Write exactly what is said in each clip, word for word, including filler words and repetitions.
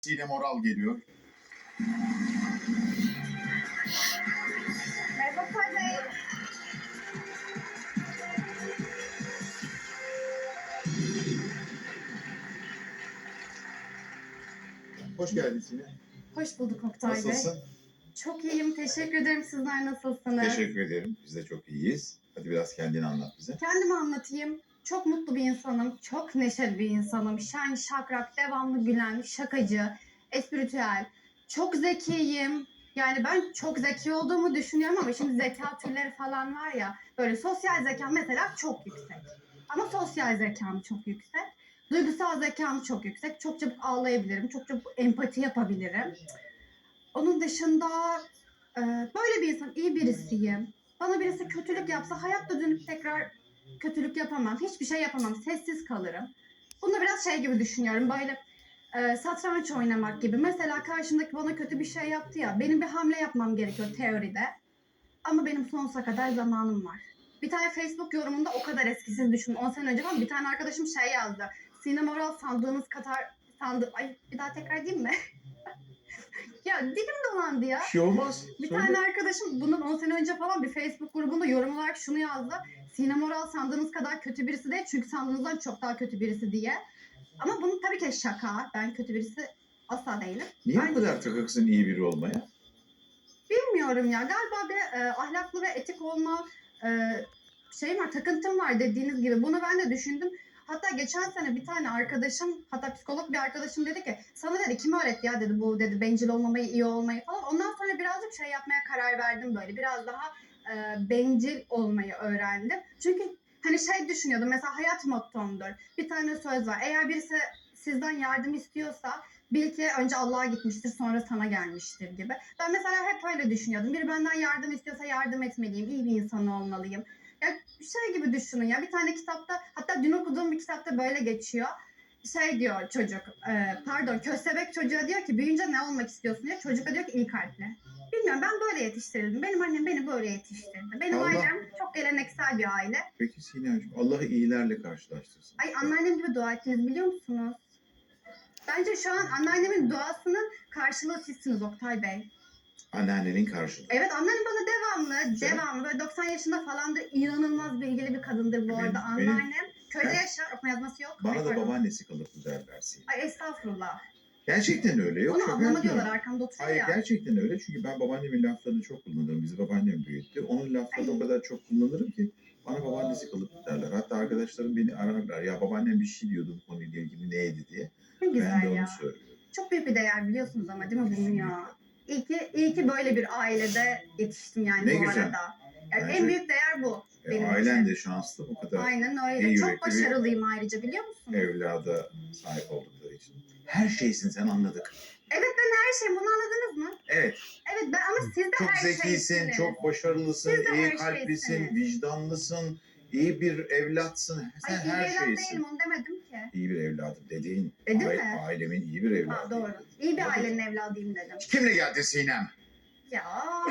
Sinem Oral geliyor. Merhaba Bey. Hoş geldin Sinem. Hoş bulduk Oktay Bey. Nasılsın? Çok iyiyim. Teşekkür ederim. Sizler nasılsınız? Teşekkür ederim. Biz de çok iyiyiz. Hadi biraz kendini anlat bize. Kendimi anlatayım. Çok mutlu bir insanım. Çok neşeli bir insanım. Şen, şakrak, devamlı gülen, şakacı, espritüel. Çok zekiyim. Yani ben çok zeki olduğumu düşünüyorum ama şimdi zeka türleri falan var ya. Böyle sosyal zekam mesela çok yüksek. Ama sosyal zekam çok yüksek. Duygusal zekam çok yüksek. Çok çabuk ağlayabilirim. Çok çabuk empati yapabilirim. Onun dışında e, böyle bir insan, iyi birisiyim. Bana birisi kötülük yapsa hayatta dönüp tekrar kötülük yapamam. Hiçbir şey yapamam. Sessiz kalırım. Bunu biraz şey gibi düşünüyorum. Böyle e, satranç oynamak gibi. Mesela karşımdaki bana kötü bir şey yaptı ya. Benim bir hamle yapmam gerekiyor teoride. Ama benim sonsuza kadar zamanım var. Bir tane Facebook yorumunda o kadar eskisiz düşün. on sene önce falan bir tane arkadaşım şey yazdı. Sinem Oral sandığınız kadar sandı. Ay bir daha tekrar diyeyim mi? Ya dilim dolandı ya. Bir şey olmaz. Bir Söyle. tane arkadaşım bundan on sene önce falan bir Facebook grubunda yorum olarak şunu yazdı. Sinem Oral sandığınız kadar kötü birisi değil çünkü sandığınızdan çok daha kötü birisi diye. Ama bunun tabii ki şaka. Ben kötü birisi asla değilim. Niye Ben bu kadar takıksın iyi biri olmaya? bilmiyorum ya. Galiba bir e, ahlaklı ve etik olma e, şeyim var, takıntım var dediğiniz gibi. Bunu ben de düşündüm. Hatta geçen sene bir tane arkadaşım, hatta psikolog bir arkadaşım dedi ki sana dedi kim öğretti ya dedi bu dedi bencil olmamayı, iyi olmayı falan. Ondan sonra birazcık şey yapmaya karar verdim böyle. Biraz daha e, bencil olmayı öğrendim. Çünkü hani şey düşünüyordum mesela hayat mottomdur. Bir tane söz var. Eğer birisi sizden yardım istiyorsa bil ki önce Allah'a gitmiştir sonra sana gelmiştir gibi. Ben mesela hep öyle düşünüyordum. Biri benden yardım istiyorsa yardım etmeliyim. İyi bir insan olmalıyım. Ya şey gibi düşünün ya bir tane kitapta hatta dün okuduğum bir kitapta böyle geçiyor. Şey diyor çocuk e, pardon köstebek çocuğa diyor ki büyüyünce ne olmak istiyorsun diyor. Çocuk da diyor ki iyi kalpli. Bilmiyorum ben böyle yetiştirildim. Benim annem beni böyle yetiştirdi. Benim Allah. ailem çok geleneksel bir aile. Peki Sinem'ciğim Allah iyilerle karşılaştırsın. Ay anneannem gibi dua ettiniz biliyor musunuz? Bence şu an anneannemin duasının karşılığı sizsiniz Oktay Bey. Anneannenin karşılığı. Evet anneannem bana devamlı, Güzel. devamlı böyle doksan yaşında falandır. İnanılmaz bilgili bir kadındır bu Benim- arada benim- anneannem. Köyde Ben- yaşar, okuma yazması yok. Bana Ay, da pardon. babaannesi kalıplı derler Sinem. Ay estağfurullah. Gerçekten öyle. Yok Ona şaka ablama yapmıyorum. diyorlar arkamda oturuyor Hayır ya. gerçekten öyle çünkü ben babaannemin laflarını çok kullanırım. Bizi babaannem büyüttü. Onun laflarını Ay. o kadar çok kullanırım ki bana babaannesi kalıplı derler. Hatta arkadaşlarım beni ararlar. Ya babaannem bir şey diyordu bu konuyla ilgili neydi diye. Ne Ben güzel de onu ya. söylüyorum. Çok büyük bir değer biliyorsunuz ama değil mi bunu ya? İyi ki, iyi ki böyle bir ailede yetiştim yani Ne bu güzel. arada. Yani Bence- en büyük değer bu E, benim ailen için. de şanslı bu kadar Aynen öyle. iyi Çok yürekli bir başarılıyım ayrıca biliyor musunuz? evlada sahip oldukları için. Her şeysin sen anladık. Evet ben her şeyim bunu anladınız mı? Evet. Evet ben ama siz de Çok her zekisin, şeysiniz. çok başarılısın, Siz de iyi her kalplisin, şeysiniz. vicdanlısın, iyi bir evlatsın. Sen Ay iyi her bir evlat şeysin. değilim onu demedim ki. İyi bir evladım dediğin. Dedim aile- mi? Ailemin iyi bir evladı. Ha, doğru. İyi bir ailenin evladıyım dedim. Kimle geldin Sinem? Ya.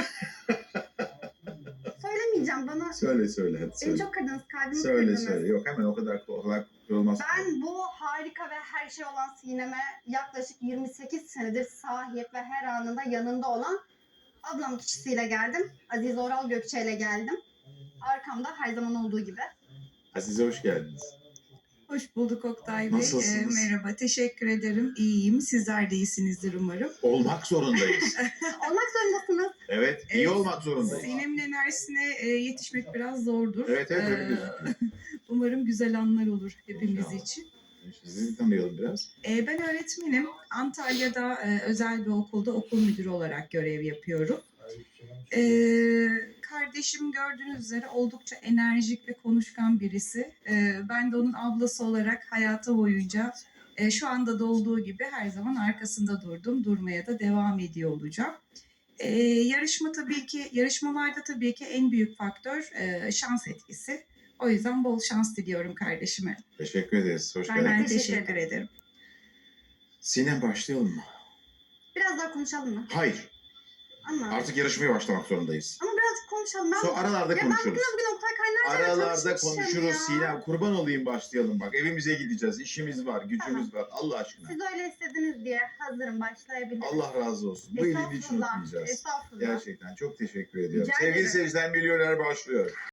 Söylemeyeceğim bana. Söyle söyle hadi Beni söyle. çok kırdınız, kalbimi Söyle kırdınız. söyle. Yok hemen o kadar o kadar kırılmaz. Ben bu harika ve her şey olan Sinem'e yaklaşık yirmi sekiz senedir sahip ve her anında yanında olan ablam kişisiyle geldim. Aziz Oral Gökçe ile geldim. Arkamda her zaman olduğu gibi. Azize hoş geldiniz. Hoş bulduk Oktay Bey. Nasılsınız? Ee, merhaba, teşekkür ederim. İyiyim. Sizler de iyisinizdir umarım. Olmak zorundayız. Olmak zorundasınız. Evet, iyi Evet, olmak zorundayız. Sinem'in enerjisine e, yetişmek biraz zordur. Evet, evet, öyle Ee, gözüküyor. Umarım güzel anlar olur hepimiz İnşallah. için. Sizi tanıyalım biraz. Ee, ben öğretmenim. Antalya'da e, özel bir okulda okul müdürü olarak görev yapıyorum. Ee, kardeşim gördüğünüz üzere oldukça enerjik ve konuşkan birisi. Ee, ben de onun ablası olarak hayatı boyunca e, şu anda da olduğu gibi her zaman arkasında durdum. Durmaya da devam ediyor olacağım. Ee, yarışma tabii ki, yarışmalarda tabii ki en büyük faktör e, şans etkisi. O yüzden bol şans diliyorum kardeşime. Teşekkür ederiz. Hoş Ben geldin. Ben teşekkür teşekkür ederim. ederim. Sinem başlayalım mı? Biraz daha konuşalım mı? Hayır. Ama, Artık yarışmaya başlamak zorundayız. ama birazcık konuşalım. Ben, Sonra aralarda ya ben konuşuruz. bugün bugün Oktay Kaynarca'yla Aralarda tanışmışım konuşuruz ya. Sinem. Kurban olayım başlayalım bak. Evimize gideceğiz. İşimiz var, gücümüz var. Allah aşkına. Siz öyle istediniz diye hazırım, başlayabilirim. Allah razı olsun. Bu iyiliğini hiç Estağfurullah, unutmayacağız. Estağfurullah. Gerçekten çok teşekkür ediyorum. Rica Sevgili ederim. seyirciler, Milyoner başlıyor.